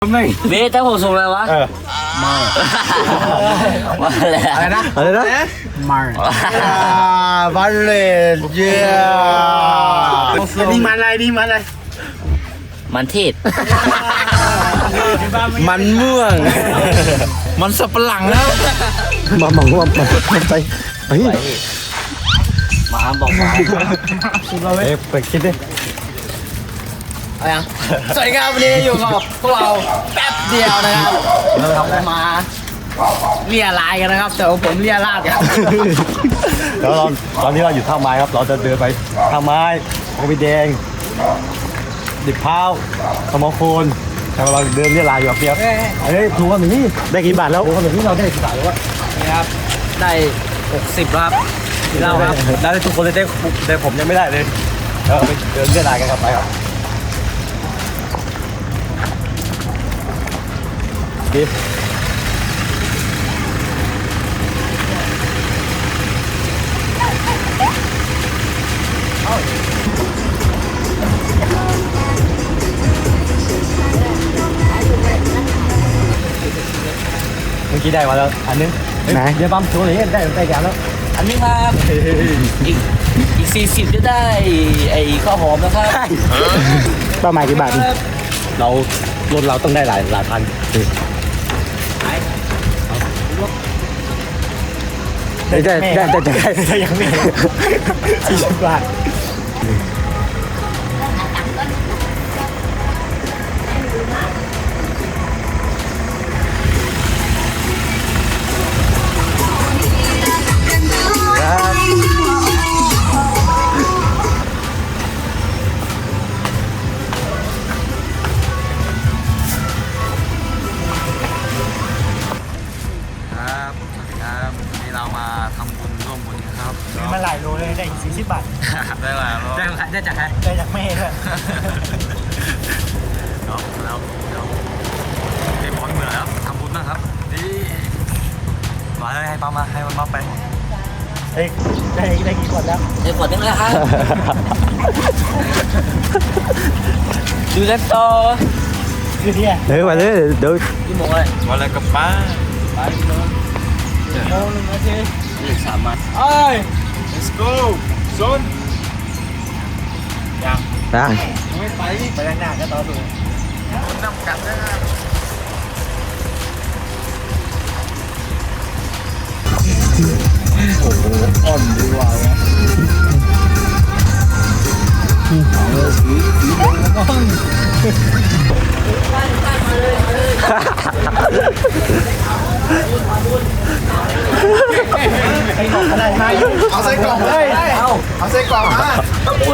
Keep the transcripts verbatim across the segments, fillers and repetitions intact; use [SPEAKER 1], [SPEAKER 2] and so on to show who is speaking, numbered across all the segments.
[SPEAKER 1] ไม่
[SPEAKER 2] เบสแต่ผมส่งอะไรวะ
[SPEAKER 1] เออมา
[SPEAKER 2] มาอะไร
[SPEAKER 1] อะไรนะอะไรนะมาบัลเล่เจ้านี่มันอะไรนี่มันอะไร
[SPEAKER 2] มันเทศ
[SPEAKER 1] มันม่วงมันสับปะหลังแล้ว
[SPEAKER 3] มาหมองว่ามาไปเฮ้ย
[SPEAKER 2] มาบอกมา
[SPEAKER 3] เอ๊ะไปคิดดิ
[SPEAKER 2] อะไรอ่ะสวัสดีครับวันนี้อยู่กับพวกเราแป๊บเดียวนะครับเรามาเรียลายกันนะครับแต่ผมเรียลาดกัน
[SPEAKER 3] แล้วเราตอนนี้เราอยู่ท่าไม้ครับเราจะเดินไปท่าไม้โอบิแดงดิบพร้าวสมอโคนแต่เราเดินเรียลายอยู่เปียกเฮ้ยดูว่าหนี่ได้กี่บาทแล้วดูว่าหนี่เราได้กี่บาทแล้ววะ
[SPEAKER 2] นี่ครับได้หกสิบครับเล่าครับ
[SPEAKER 3] ได้ทุกคนเลยได้แต่ผมยังไม่ได้เลยเราไปเดินเรียลายกันครับไปครับดิเมื่อกี้ได้มาแล้วอันนึงไหนเดี๋ยวปั๊มโชว์เลยได้ได้แก่แล้ว
[SPEAKER 2] อันนี้ครับอีกอีกสี่สิบจะได้ไอ้ข้าวหอมนะครับ
[SPEAKER 3] เป้าหมายกี่บาทเรารถเราต้องได้หลายหลายพันได้ได้ได้ได้ได้ยังไม่สี่สิบบาท
[SPEAKER 1] มาหลายโลเลยได้สี่สิบบาท
[SPEAKER 3] ได้หลายโล
[SPEAKER 2] ได้ได้จากใคร
[SPEAKER 1] ได้จากแม่ด้วย
[SPEAKER 3] เนาะแล้วเดี๋ยวเกมบอลเหนื่อยแล้วทำบุญบ้างครับนี่มาเลยให้ปั๊มมาให้มันปั๊มไป
[SPEAKER 1] เอ้ยได้ได้กี่ขวดแล้ว
[SPEAKER 2] ได้ขวดนึงแล้วครับดูกันต่อ
[SPEAKER 1] คือที่
[SPEAKER 3] เดี๋ยวมาเลยเดี๋ยว
[SPEAKER 2] กี่โมงเลย
[SPEAKER 3] มาเลยกับป้า
[SPEAKER 2] ไปโมงโมงหนึ่งนาทีอีกสามมา
[SPEAKER 1] เอ้ย let's go โซนยัง
[SPEAKER 3] ยัง
[SPEAKER 1] ไม่ไปไปด้านหน้าก็ต่อสู้น้ำกัดนะโอ้โหอ่อนดีว่ะเอาเลยสีสีแดงแล้วมั้งเอาใส่กล่องเลยเอาเอาใส่กล่องมาคุณ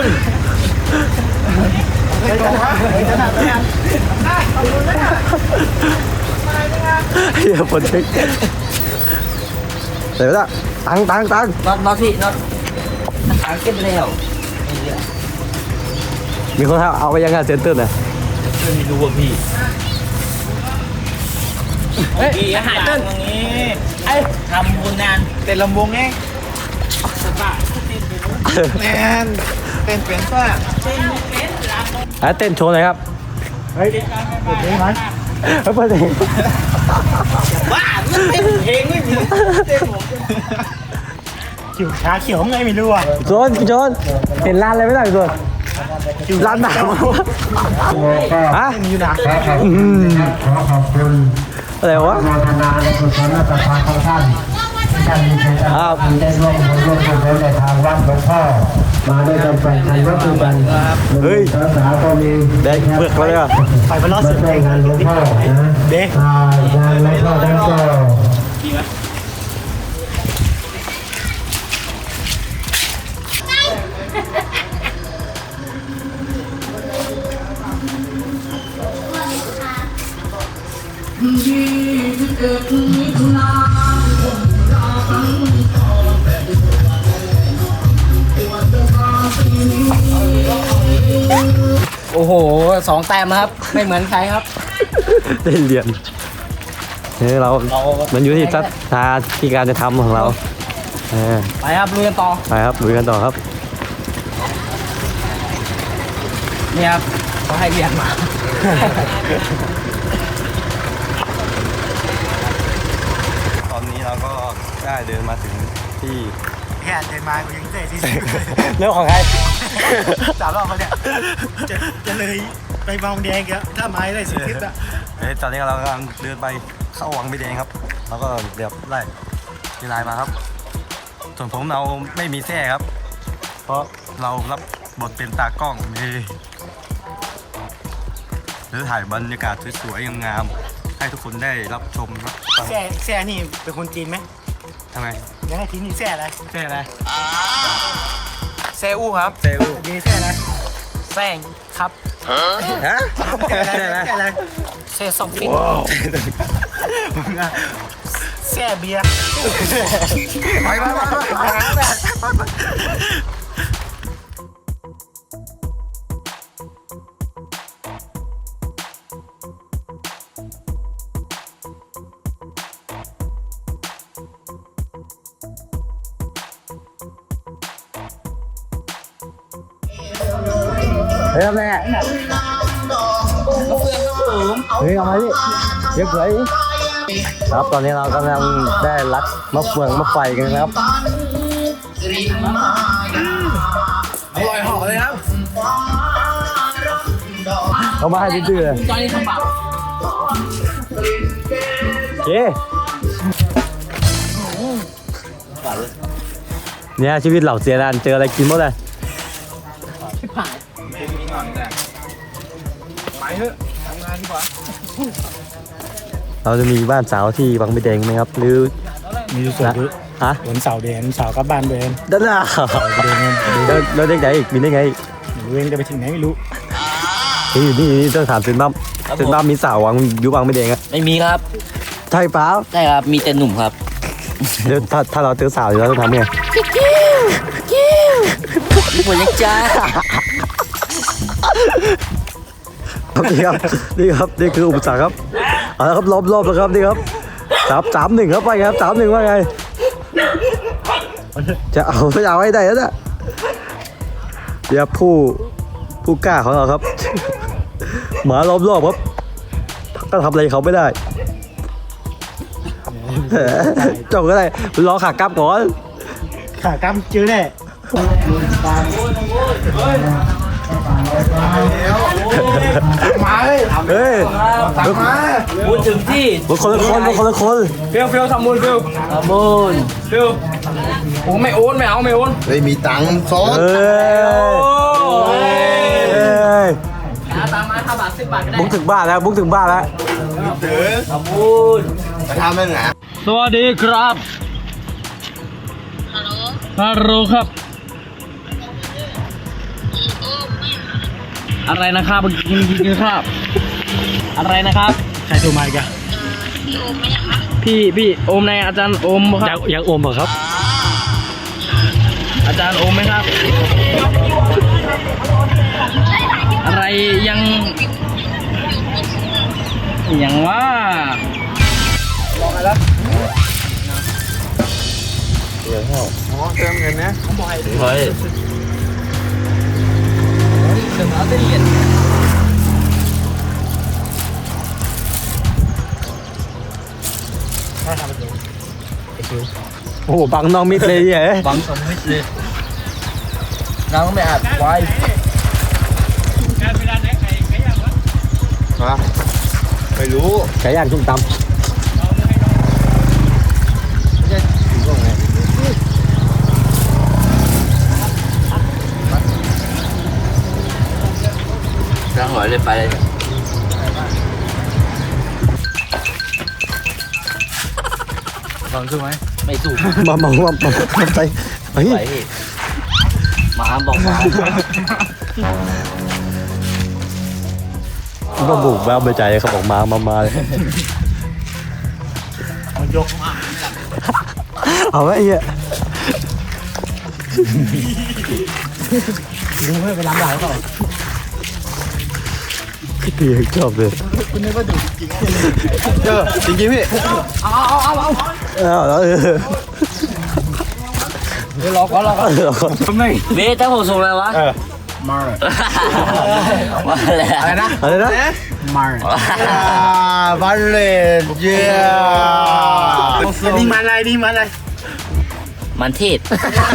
[SPEAKER 1] ใส่กล่องมา
[SPEAKER 3] เฮียปวดเช็คเดี๋ยวละตังตังตัง
[SPEAKER 2] น็อตน็อตพี่น็อตทางเก็บแล้ว
[SPEAKER 3] มีคนเอาไปยังไงเซ็นเตอร์เนี่ย
[SPEAKER 2] ไม่รู้ว่าพี่เฮ้ยอาหารเต้นไอ้ทำบุญงาน
[SPEAKER 1] เต้นลำวงไงแมนเต้นเป็นป่ะ
[SPEAKER 3] อ่ะเต้นโชว์หน่อยครับเฮ้ยเปิดเพลงไหมเปิดเพลง
[SPEAKER 2] บ้ามันเป็นเพลงไม่มีเต้นผม
[SPEAKER 1] เขียวขาเขียวไงไม่รู้อ่ะ
[SPEAKER 3] โจนโจนเห็นร้านอะไรไม่ได้โจนร้านหนาวฮะ
[SPEAKER 1] อยู่นะ
[SPEAKER 4] ขอขอบคุณ
[SPEAKER 3] อะไรวะ
[SPEAKER 4] โมทนาในกุศลศรัทธาของท่านที่ท่านมีใจได้ร่วมบุญร่วมกุศลในทางวัดหลวงพ่อมาด้วยกันแปดพันวัตถุบัน
[SPEAKER 3] เฮ้ย
[SPEAKER 4] สาสาก็มี
[SPEAKER 3] ได้เบิกเลยอ่ะ
[SPEAKER 1] ไปมาล้อ
[SPEAKER 4] มา
[SPEAKER 1] สึก
[SPEAKER 4] ช่วยงานหลวงพ่อนะ
[SPEAKER 1] เด็ก
[SPEAKER 4] งานหลวงพ่อท่านก็
[SPEAKER 2] โอ้โหสองแต้มครับไม่เหมือนใครครับ
[SPEAKER 3] ได้เหรียญนี่เรามันอยู่ที่ศรัทธาที่การจะทำของเรา
[SPEAKER 2] ไปครับลุยกันต่อ
[SPEAKER 3] ไปครับลุยกันต่อครับ
[SPEAKER 2] เนี่ยครับเขาให้เรียนมา
[SPEAKER 3] เดินมาถึงที่
[SPEAKER 1] แค่เดินมากูยังเตะที่
[SPEAKER 3] เรื่องของใคร
[SPEAKER 1] สามรอบมาเนี่ยจะจะเลยไปบางแดงแล้วถ้าไม้ได้สิบทิศอะ
[SPEAKER 3] เอ้ยตอนนี้เรากำลังเดินไปเข้าวังไม่แดงครับแล้วก็เดี๋ยวไล่ทีไลน์มาครับ ส่วนผมเราไม่มีแท้ครับ เพราะเรารับบทเป็นตากล้องนี่หรือถ่ายบรรยากาศสวยๆงามๆให้ทุกคนได้รับชมครับ
[SPEAKER 1] แซ่แซ่นี่เป็นคนจีนไหม
[SPEAKER 3] ทำไม
[SPEAKER 1] ยังไงทีนี่แซ่อะไร
[SPEAKER 3] แท้อะไร
[SPEAKER 2] เซอูครับ
[SPEAKER 3] เซล
[SPEAKER 1] ดีแซ่อะไร
[SPEAKER 2] แซงครับ
[SPEAKER 3] ฮะ
[SPEAKER 1] แซ่อะไร
[SPEAKER 3] แท้อะไร
[SPEAKER 1] แซ่อะไร
[SPEAKER 2] เซซองฟิน
[SPEAKER 1] แซ่เบียร์
[SPEAKER 3] ไปไปไปไปเฮ้ยแม่เฮ้ยเอามาดิเรียบร้อยครับตอนนี้เรากำลังได้รัดมะเฟืองมะไฟกันนะครับ
[SPEAKER 2] อร่อยหอมเลยครับ
[SPEAKER 3] เอามาให้ดื้อๆเลย
[SPEAKER 2] ตอนนี้ทำบาป
[SPEAKER 3] โอเคเนี่ยชีวิตเหล่าเสียดานเจออะไรกินหมดเลย
[SPEAKER 2] ผ่านไปเถอะทำงานดีกว่า
[SPEAKER 3] เราจะมีบ้านสาวที่บางไม่แดงไหมครับ หรือ
[SPEAKER 1] มีส่วน
[SPEAKER 3] ฮะ
[SPEAKER 1] วันเสาร์เดนเสาร์กลับบ้านเดน
[SPEAKER 3] ด้านหน้าแล้วแล้วเด็กไหนอีกมีได้ไงอีก
[SPEAKER 1] เวงจะไปถึงไหนไม่รู้
[SPEAKER 3] เฮ้ยอยู่นี่อยู่นี่ต้องถามเซนบ้ามเซนบ้ามมีสาววังอยู่บางไม่แดงอะ
[SPEAKER 2] ไม่มีครับ
[SPEAKER 3] ใช่เปล่า
[SPEAKER 2] ใช่ครับ มีแต่หนุ่มครับ
[SPEAKER 3] เดี๋ยวถ้าถ้าเราเจอสาวอยู่เราต้องทำไง
[SPEAKER 2] มีผลยังจ้า
[SPEAKER 3] นี่ครับนี่ครับนี่คืออุปสรรคครับเอาละครับล้อมรอบแล้วครับนี่ครับสามสามหนึ่งครับไปครับสามหนึ่งว่าไงจะเอาไม่เอาให้ได้แล้วนะเดี๋ยวผู้ผู้กล้าของเราครับ หมาล้อมรอบครับก็ทำอะไรเขาไม่ได้ จบก็ได้รอขากลับก่อน
[SPEAKER 1] ขากำจื้อแน่มาเลย
[SPEAKER 3] เฮ้ย
[SPEAKER 1] มา
[SPEAKER 2] พูดถึงที่
[SPEAKER 3] มันคนละคนมันคนละคน
[SPEAKER 2] เฟียวเฟียวทำมูลเฟียวทำมูลเฟียวโอ้ไม่โอนไม่เอาไม่โอน
[SPEAKER 1] ไม่มีตังค์ซ้อน
[SPEAKER 3] เฮ้ย
[SPEAKER 2] หาตามมาห้าบาทสิบบาทก็ได้
[SPEAKER 3] บุกถึงบ้านแล้วบุกถึงบ้านแล้ว
[SPEAKER 2] ทำมูล
[SPEAKER 1] ไปทำมันหนา
[SPEAKER 2] สวัสดีครับฮัลโหลฮัลโหลครับ อะไรนะครับกินกินครับอะไรนะครับ
[SPEAKER 1] ใครโทรมาอีกอะ
[SPEAKER 2] พี่พี่โอมในอาจารย์โอมครับ
[SPEAKER 3] ยังอมเหรอครับ
[SPEAKER 2] อาจารย์โอมไหมครับ อะไรยังยังว่าเติมเงินนะเฮ้ยเติมเอาได้เหรียญ
[SPEAKER 3] โอ้โหบังน้องมิดเลยเนี่ย
[SPEAKER 2] บังสมมิตรเลยน้องไม่อาจไว้
[SPEAKER 1] ไม่รู้
[SPEAKER 3] ไก่ย่างชุ่มตำ
[SPEAKER 2] ร่างหอยเลยไปเลยลองสู้ไหมไม่สู้
[SPEAKER 3] มามามามามาไปเฮ้ย
[SPEAKER 2] ไปหมาบอกหมา
[SPEAKER 3] มาบุกแบบไปใจเขาบอกมามามาเลย
[SPEAKER 1] มันยกมา
[SPEAKER 3] เอาไว้ไอ้เหี้ย
[SPEAKER 1] ดูเพื่อไปล้างหลังเขา
[SPEAKER 3] พี่ชอบเลย
[SPEAKER 1] คุณนึกว่าดูจริงๆเจอจริงๆพี่
[SPEAKER 2] เอาเอาเอาเอา
[SPEAKER 3] เอาแล้วเออ
[SPEAKER 2] เดี๋ยวรอก่อนรอก่อนไม่เบสถ้าผมส่งอะไรวะ
[SPEAKER 1] มา
[SPEAKER 2] ว่าอะไรอะไรนะ
[SPEAKER 3] อะไรนะ
[SPEAKER 1] มาบาเลเจียนี่มาอะไรนี่มาอะไร
[SPEAKER 2] มันเทศ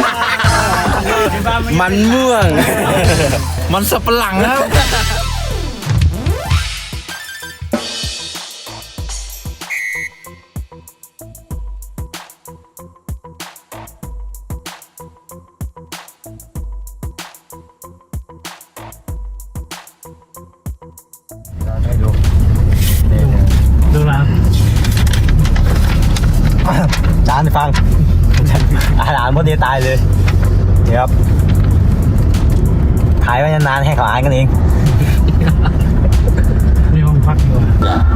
[SPEAKER 1] มันม่วง มันสับปะหลังครับ
[SPEAKER 3] ให้ดู
[SPEAKER 1] ดูนะ
[SPEAKER 3] จานฟัง อาหารพวกนี้ตายเลยเดี๋ยวครับขายไว้นานๆให้เขาอ่านกันเอง
[SPEAKER 1] มีห้องพักอยู่